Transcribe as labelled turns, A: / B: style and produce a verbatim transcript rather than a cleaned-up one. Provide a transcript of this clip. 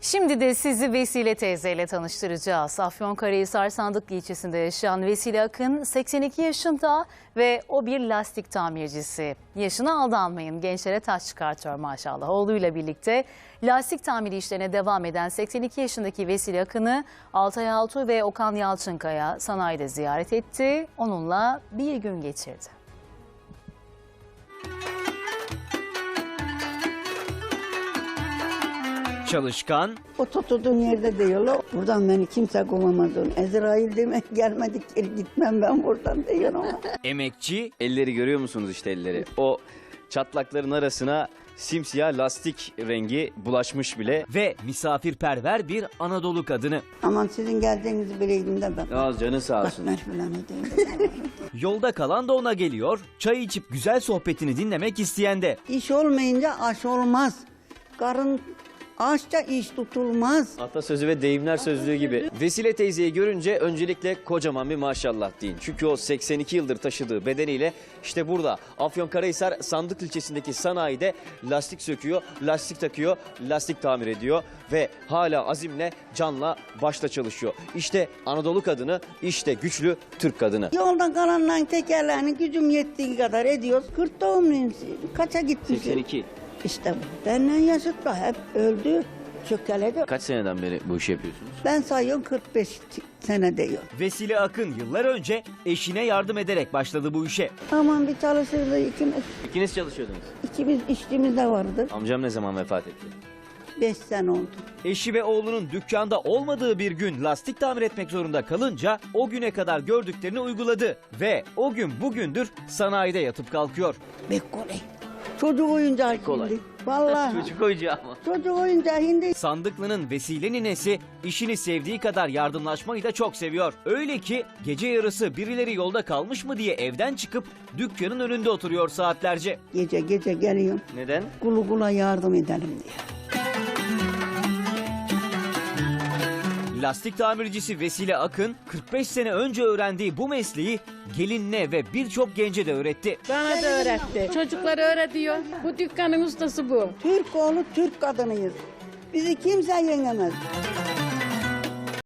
A: Şimdi de sizi Vesile teyzeyle tanıştıracağız. Afyonkarahisar Sandıklı ilçesinde yaşayan Vesile Akın seksen iki yaşında ve o bir lastik tamircisi. Yaşına aldanmayın, gençlere taş çıkartıyor maşallah. Oğluyla birlikte lastik tamiri işlerine devam eden seksen iki yaşındaki Vesile Akın'ı Altay Altuğ ve Okan Yalçınkaya sanayide ziyaret etti. Onunla bir gün geçirdi.
B: Çalışkan,
C: O tutulduğun yerde diyorlar. Buradan beni kimse kovamaz onu. Ezrail demek gelmedik geri gitmem ben buradan diyor ama.
B: emekçi,
D: Elleri görüyor musunuz işte elleri? O çatlakların arasına simsiyah lastik rengi bulaşmış bile.
B: ve misafirperver bir Anadolu kadını.
C: Aman sizin geldiğinizi bileydim de ben.
D: Az canı sağ olsun.
C: Katmer falan edeyim.
B: Yolda kalan da ona geliyor, çay içip güzel sohbetini dinlemek isteyen de.
C: İş olmayınca aş olmaz. Karın açça iş tutulmaz.
D: Atasözü ve deyimler sözlüğü gibi. Vesile teyzeyi görünce öncelikle kocaman bir maşallah deyin. Çünkü o seksen iki yıldır taşıdığı bedeniyle işte burada Afyonkarahisar Sandıklı ilçesindeki sanayide lastik söküyor, lastik takıyor, lastik tamir ediyor ve hala azimle, canla, başla çalışıyor. İşte Anadolu kadını, işte güçlü Türk kadını.
C: Yolda kalanların tekerlerini gücüm yettiği kadar ediyoruz. kırk doğumluyum. Kaça gitmişim?
D: seksen iki.
C: İşte bu. Benden yaşıtla hep öldü, çökeledi.
D: Kaç seneden beri bu işi yapıyorsunuz?
C: Ben sayıyorum kırk beş sene diyor.
B: Vesile Akın yıllar önce eşine yardım ederek başladı bu işe.
C: Aman bir çalışırdı ikimiz.
D: İkiniz çalışıyordunuz.
C: İkimiz işçimiz de vardı.
D: Amcam ne zaman vefat etti?
C: Beş sene oldu.
B: Eşi ve oğlunun dükkanda olmadığı bir gün lastik tamir etmek zorunda kalınca o güne kadar gördüklerini uyguladı. Ve o gün bugündür sanayide yatıp kalkıyor.
C: Be kolay. Çocuk oyuncağı
D: Kolay.
C: şimdi. Vallahi.
D: Çocuk oyuncağı ama.
C: Çocuk oyuncağı hindi.
B: Sandıklı'nın Vesile ninesi işini sevdiği kadar yardımlaşmayı da çok seviyor. Öyle ki gece yarısı birileri yolda kalmış mı diye evden çıkıp dükkanın önünde oturuyor saatlerce.
C: Gece gece geliyorum.
D: Neden?
C: Kulu kula yardım edelim diye.
B: Lastik tamircisi Vesile Akın kırk beş sene önce öğrendiği bu mesleği gelinine ve birçok gence de öğretti.
E: Bana da öğretti. Çocukları öğretiyor. Bu dükkanın ustası bu.
C: Türk oğlu Türk kadınıyız. Bizi kimse yenemez.